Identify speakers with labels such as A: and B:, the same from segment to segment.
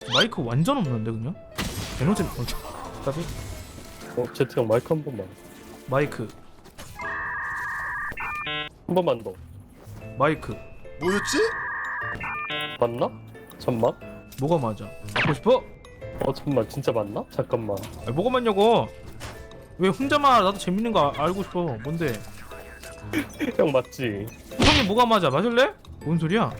A: 마이크 완전 없는데 그냥? 에너지 답이?
B: 제트 형 마이크 한 번만.
A: 마이크
B: 한 번만 더.
A: 마이크
C: 뭐였지?
B: 맞나? 잠만.
A: 뭐가 맞아? 갖고 싶어?
B: 잠만 진짜 맞나? 잠깐만.
A: 아니, 뭐가 맞냐고? 왜 혼자만 나도 재밌는 거 알고 싶어. 뭔데?
B: 형 맞지?
A: 형이 뭐가 맞아? 맞을래? 뭔 소리야?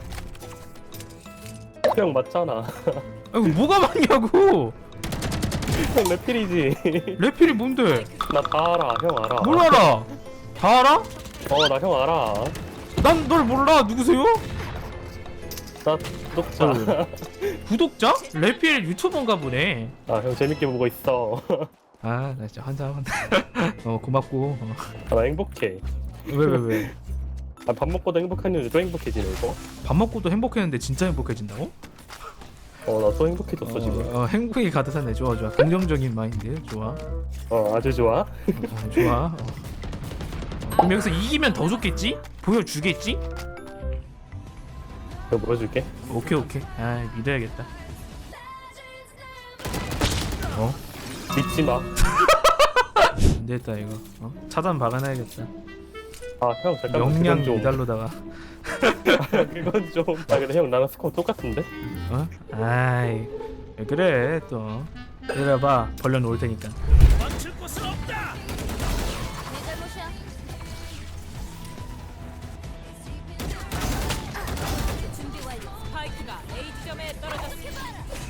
B: 형 맞잖아.
A: 아니 뭐가 맞냐고?
B: 형 레필이지.
A: 레필이 뭔데?
B: 나 다 알아. 형 알아.
A: 뭘 알아? 다 알아?
B: 나 형 알아.
A: 난 널 몰라. 누구세요?
B: 나 구독자.
A: 구독자? 레필 유튜버인가 보네.
B: 형 재밌게 보고 있어.
A: 아, 나 진짜 환장한다. 고맙고.
B: 나 행복해.
A: 왜?
B: 밥 먹고도 행복한 이유도 행복해지네 이거.
A: 밥 먹고도 행복했는데 진짜 행복해진다고?
B: 나 또 행복해졌어 지금.
A: 행복이 가득하네. 좋아. 긍정적인 마인드. 좋아.
B: 아주 좋아.
A: 좋아. 그럼 여기서 이기면 더 좋겠지? 보여주겠지?
B: 내가 물어줄게.
A: 오케이. 아, 믿어야겠다.
B: 믿지 마.
A: 안 됐다 이거. 차단 박아놔야겠다.
B: 형 잠깐만.
A: 영양
B: 그건 좀.
A: 미달로다가.
B: 그건 좀. 근데 형 나랑 스코어 똑같은데?
A: 아이, 왜 그래 또. 내려봐. 벌려놓을 테니까.
D: 스파이크가 A 지점에 떨어졌습니다.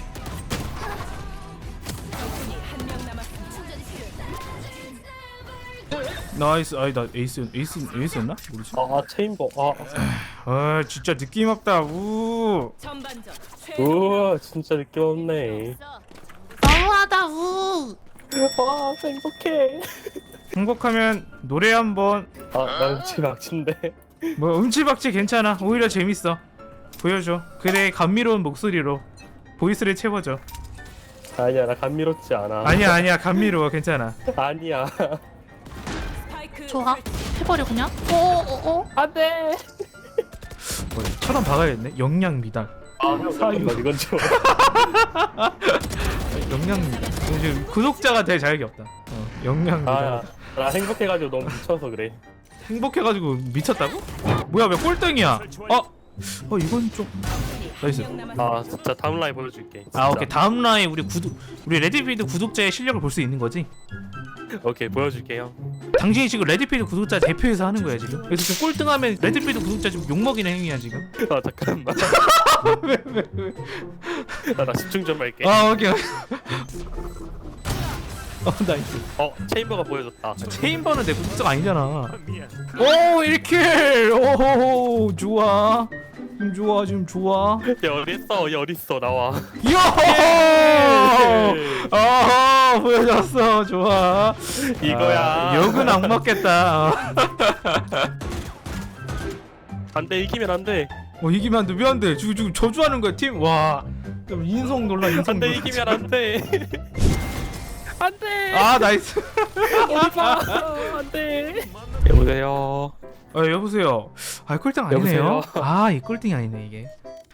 D: 적군이 한 명 남았습니다.
A: 나이스. 아니 나 에이스였나? 모르지.
B: 체인버.
A: 아 진짜 느낌 없다. 우.
D: 전반전
B: 우와 진짜 느낌 없네.
A: 너무하다. 우.
B: 와 행복해.
A: 행복하면 노래 한번.
B: 난 지금 악친데.
A: 뭐 음치박치 괜찮아. 오히려 재밌어. 보여줘. 그래 감미로운 목소리로 보이스를 채워줘.
B: 아니야 나 감미롭지 않아.
A: 아니야 감미로워. 괜찮아.
B: 아니야.
D: 스파이크
E: 좋아. 해버려 그냥.
B: 안돼.
A: 차단 박아야겠네. 영양 미달.
B: 형 잠깐만 이건 좀.
A: 영양 미달. 지금 구독자가 될 자격이 없다. 영양 미달.
B: 나 행복해가지고 너무 미쳐서 그래.
A: 행복해가지고 미쳤다고? 뭐야 왜 꼴등이야? 이건 좀 나이스.
B: 진짜 다음 라인 보여줄게.
A: 오케이. 다음 라인 우리 레드필드 구독자의 실력을 볼 수 있는 거지?
B: 오케이 보여줄게 형.
A: 당신이 지금 레드필드 구독자 대표해서 하는 거야 지금. 그래서 지금 꼴등하면 레드필드 구독자 지금 욕먹이는 행위야 지금.
B: 잠깐만. 나 집중 좀 할게.
A: 오케이. 나이스.
B: 체인버가 보여줬다.
A: 체인버는 내 구독자가 아니잖아. 오 1킬. 오호호 좋아. 지금 좋아.
B: 얘 어딨어 나와.
A: 요호. 보여줬어. 좋아.
B: 이거야.
A: 욕은 안 먹겠다.
B: 안돼 이기면 안돼.
A: 이기면 안 돼. 왜 안 돼? 지금 저주하는 거야 팀. 와. 인성 놀라.
B: 안돼 이기면 안돼. 안돼.
A: 나이스.
B: 안돼. 여보세요.
A: 여보세요. 꼴등 아니네요.
B: 여보세요?
A: 이 꼴등이 아니네 이게.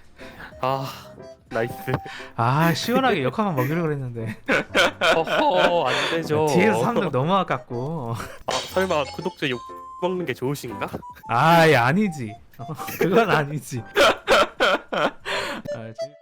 B: 나이스.
A: 시원하게 역할만 먹이려고 그랬는데.
B: 안 되죠.
A: 뒤에서 3등 너무 아깝고.
B: 설마 구독자 욕 먹는 게 좋으신가?
A: 아니지. 그건 아니지.